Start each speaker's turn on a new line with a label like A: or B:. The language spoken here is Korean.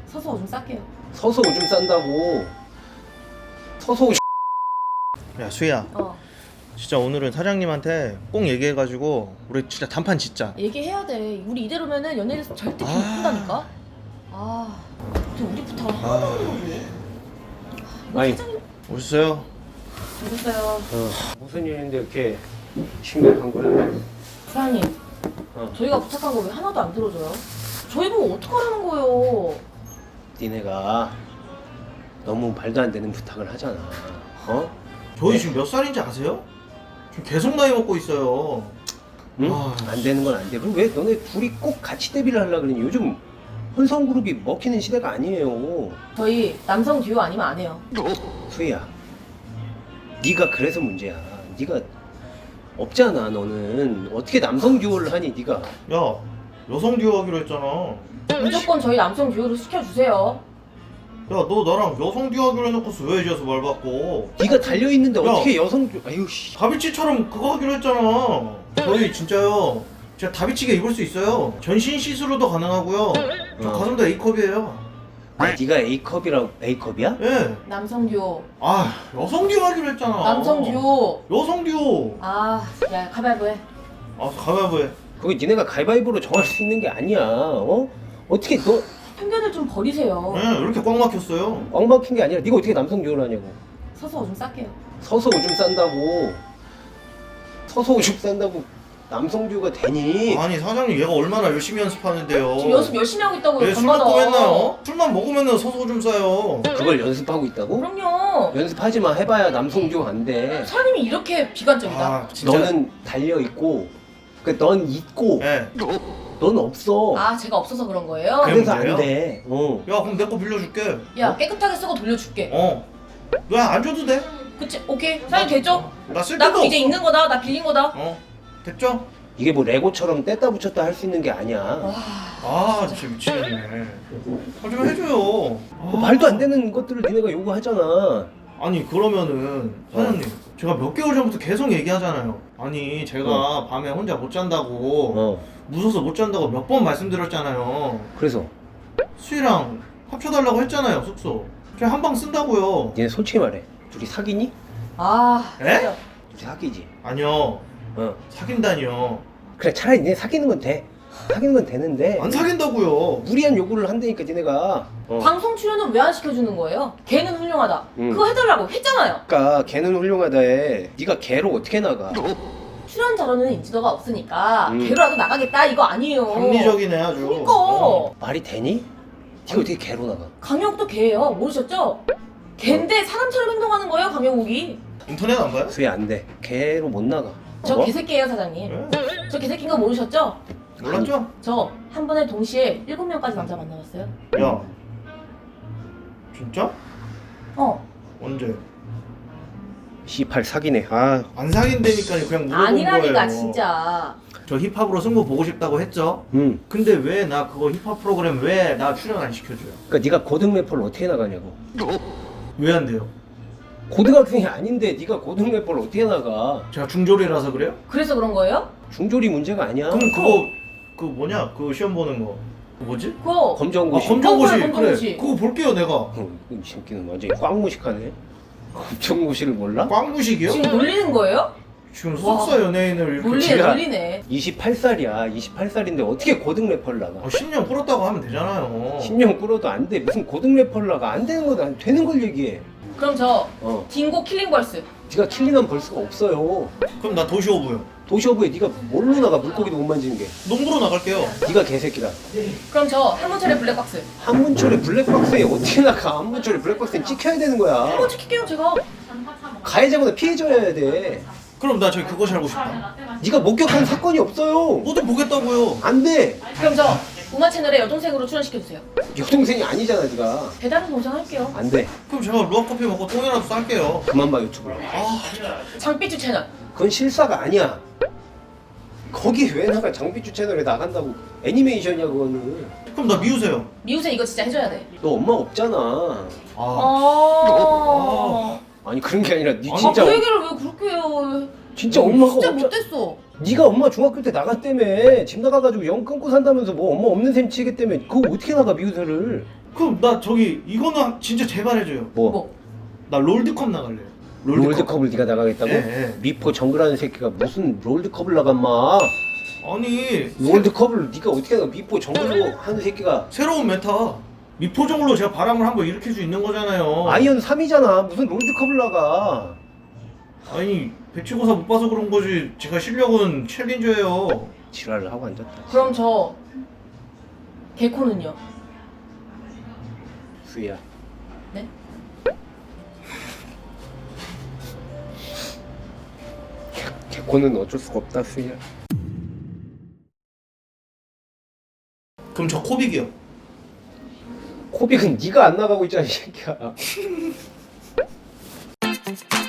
A: 서서 오줌 쌀게요.
B: 서서 오줌 싼다고. 서서 오줌.
C: 야 수희야, 진짜 오늘은 사장님한테 꼭 얘기해가지고 우리 진짜 단판 짓자.
A: 얘기해야 돼. 우리 이대로면은 연예인에서 절대 못 본다니까. 저 우리부터 하나도 없는 거지.
B: 아니.
A: 사장님
C: 오셨어요?
A: 오셨어요.
B: 무슨 일인데 이렇게 심각한 거야?
A: 사장님, 저희가 부탁한 거 왜 하나도 안 들어줘요? 저희 보고 어떡하라는 거예요?
B: 니네가 너무 말도 안 되는 부탁을 하잖아.
C: 저희 지금 몇 살인지 아세요? 지금 계속 나이 먹고 있어요.
B: 응? 안 되는 건 안 돼. 그럼 왜 너네 둘이 꼭 같이 데뷔를 하려고 그러니? 요즘 혼성 그룹이 먹히는 시대가 아니에요.
A: 저희 남성 듀오 아니면 안 해요.
B: 수희야, 네가 그래서 문제야. 네가 없잖아. 너는 어떻게 남성 듀오를 하니? 네가
C: 야, 여성 듀오 하기로 했잖아.
A: 무조건 저희 남성 듀오로 시켜주세요.
C: 야, 너 나랑 여성 듀오 하기로 해놓고서 왜 이제서 말 바꿔?
B: 네가 달려 있는데
C: 야.
B: 어떻게 여성 듀오? 아유 씨.
C: 다비치처럼 그거 하기로 했잖아. 저희 진짜요. 제가 다비치게 입을 수 있어요. 전신 시술로도 가능하고요. 저 가슴도 A컵이에요.
B: 야, 네가 A컵이라고. A컵이야?
C: 예.
A: 남성 듀오.
C: 여성 듀오 하기로 했잖아.
A: 남성 듀오.
C: 여성 듀오.
A: 야, 가위바위보 해.
C: 가위바위보 해.
B: 그거 니네가 가위바위보로 정할 수 있는 게 아니야. 어떻게 너
A: 편견을 좀 버리세요.
C: 왜 이렇게 꽉 막혔어요?
B: 꽉 막힌 게 아니라 네가 어떻게 남성 듀오를 하냐고.
A: 서서 오줌 쌀게요.
B: 서서 오줌 싼다고. 서서 오줌 싼다고 남성 듀오가 되니?
C: 아니 사장님, 얘가 얼마나 열심히 연습하는데요.
A: 지금 연습 열심히 하고 있다고요.
C: 얘술
A: 밤마다.
C: 먹고 맨날 술만 먹으면 서서 오줌 싸요.
B: 그걸 연습하고 있다고?
A: 그럼요.
B: 연습하지 마. 해봐야 남성 듀오 안 돼.
A: 사장님이 이렇게 비관적이다.
C: 진짜.
B: 너는 달려 있고, 넌 있고,
C: 예.
B: 넌 없어.
A: 제가 없어서 그런 거예요?
C: 그래?
B: 그래서
C: 문제예요?
B: 안 돼.
C: 야, 그럼 내 거 빌려줄게.
A: 야, 깨끗하게 쓰고 돌려줄게.
C: 너 안 줘도 돼?
A: 그치? 오케이. 사장님 됐죠?
C: 나 쓸
A: 나
C: 데도
A: 그럼 이제
C: 없어.
A: 있는 거다. 나 빌린 거다.
C: 됐죠?
B: 이게 뭐 레고처럼 뗐다 붙였다 할 수 있는 게 아니야.
C: 진짜 미치겠네. 좀 해줘요.
B: 뭐 말도 안 되는 것들을 니네가 요구하잖아.
C: 아니 그러면은 사장님, 제가 몇 개월 전부터 계속 얘기하잖아요. 아니 제가 밤에 혼자 못 잔다고 무서워서 못 잔다고 몇 번 말씀드렸잖아요.
B: 그래서
C: 수희랑 합쳐달라고 했잖아요, 숙소. 제가 한 방 쓴다고요.
B: 니네 솔직히 말해. 둘이 사귀니?
C: 에?
A: 진짜.
B: 둘이 사귀지.
C: 아니요, 사귄다니요.
B: 그래, 차라리 니네 사귀는 건 돼. 사귀는 건 되는데
C: 안 사귄다고요.
B: 무리한 요구를 한다니까 니네가.
A: 방송 출연은 왜 안 시켜주는 거예요? 걔는 훌륭하다.
B: 응.
A: 그거 해달라고 했잖아요.
B: 그러니까 걔는 훌륭하다에 네가 걔로 어떻게 나가?
A: 출연 자료는 인지도가 없으니까
B: 응.
A: 걔로라도 나가겠다 이거 아니에요.
C: 합리적이네 아주.
A: 그니까
B: 말이 되니? 네가 어떻게 걔로 나가?
A: 강영욱도 걔예요. 모르셨죠? 걔인데 사람처럼 행동하는 거예요, 강영욱이.
C: 인터넷 안 봐요?
B: 수혜 안 돼. 걔로 못 나가.
A: 저 개새끼예요, 사장님.
C: 왜?
A: 저 개새끼인 거 모르셨죠?
C: 몰랐죠?
A: 저 한 번에 동시에 7명까지 남자 만나봤어요.
C: 야, 진짜? 언제?
B: C8 사기네.
C: 안 사귄다니까 그냥 물어본
A: 아니라니까
C: 거예요.
A: 진짜.
C: 저 힙합으로 승부 보고 싶다고 했죠. 근데 왜 나 그거 힙합 프로그램 왜 나 출연 안 시켜줘요?
B: 그러니까 네가 고등 래퍼를 어떻게 나가냐고.
C: 왜 안 돼요?
B: 고등학생이 아닌데 네가 고등 래퍼를 어떻게 나가?
C: 제가 중졸이라서 그래요?
A: 그래서 그런 거예요?
B: 중졸이 문제가 아니야.
C: 그럼 그거 그 뭐냐? 그 시험 보는 거. 그 뭐지?
A: 그거
B: 검정고시.
C: 검정고시.
A: 검정고시.
C: 그래. 그거 볼게요 내가.
B: 이 새끼는 완전히 꽝무식하네. 검정고시를 몰라?
C: 꽝무식이요?
A: 지금 놀리는 거예요?
C: 지금 속사 연예인을 이렇게
A: 놀리네,
B: 지가-
A: 놀리네.
B: 28살이야. 28살인데 어떻게 고등 래퍼를 나가?
C: 10년 풀었다고 하면 되잖아요.
B: 10년 끌어도 안 돼. 무슨 고등 래퍼를 나가? 안 되는 거다. 안 되는 걸 얘기해.
A: 그럼 저
B: 딩고
A: 킬링벌스.
B: 네가 킬링하면 벌 수가 없어요.
C: 그럼 나 도시오브요.
B: 도시어부에 네가 뭘로 나가? 물고기도 못 만지는 게.
C: 농구로 나갈게요.
B: 네가 개새끼다.
A: 그럼 저 한문철의 블랙박스.
B: 한문철의 블랙박스에 어떻게 나가? 한문철의 블랙박스는 찍혀야 되는 거야.
A: 한번 찍힐게요, 제가.
B: 가해자보다 피해자여야 돼.
C: 그럼 나 저기 그거 살고 싶다.
B: 네가 목격한 사건이 없어요.
C: 뭐도 보겠다고요.
B: 안 돼.
A: 그럼 저 우마 채널에 여동생으로 출연시켜주세요.
B: 여동생이 아니잖아 네가.
A: 배달은 동생할게요.
B: 안 돼.
C: 그럼 제가 루아커피 먹고 똥이라도 쌀게요.
B: 그만 봐 유튜브를.
A: 장삐쭈 채널.
B: 그건 실사가 아니야. 거기 왜 나가? 장비주 채널에 나간다고. 애니메이션이야 그거는.
C: 그럼 나 미우세요.
A: 미우새 이거 진짜 해줘야 돼.
B: 너 엄마 없잖아. 아니 그런 게 아니라 네 진짜
A: 그 얘기를 왜 그렇게 해요?
B: 진짜 엄마가
A: 진짜
B: 없잖아.
A: 못됐어.
B: 네가 엄마 중학교 때 나갔다며. 집 나가가지고 영 끊고 산다면서 뭐 엄마 없는 셈 치겠다며. 그거 어떻게 나가 미우새를.
C: 그럼 나 저기 이거는 진짜 제발 해줘요.
A: 뭐?
C: 나 롤드컵 나갈래요.
B: 롤드컵을 네가 나가겠다고?
C: 예, 예.
B: 미포 정글하는 새끼가 무슨 롤드컵을 나간 마?
C: 아니
B: 롤드컵을 네가 어떻게 나가? 미포 정글로 하는 새끼가
C: 새로운 메타 미포정으로 제가 바람을 한번 일으킬 수 있는 거잖아요.
B: 아이언 3이잖아. 무슨 롤드컵을 나가?
C: 아니 배치고사 못 봐서 그런 거지. 제가 실력은 챌린저예요.
B: 지랄을 하고 앉았다.
A: 그럼 저 개코는요?
B: 수희야.
A: 네?
B: 개코는 어쩔 수가 없다, 수희야.
C: 그럼 저 코빅이요.
B: 코빅은 네가 안 나가고 있잖아, 이 새끼야.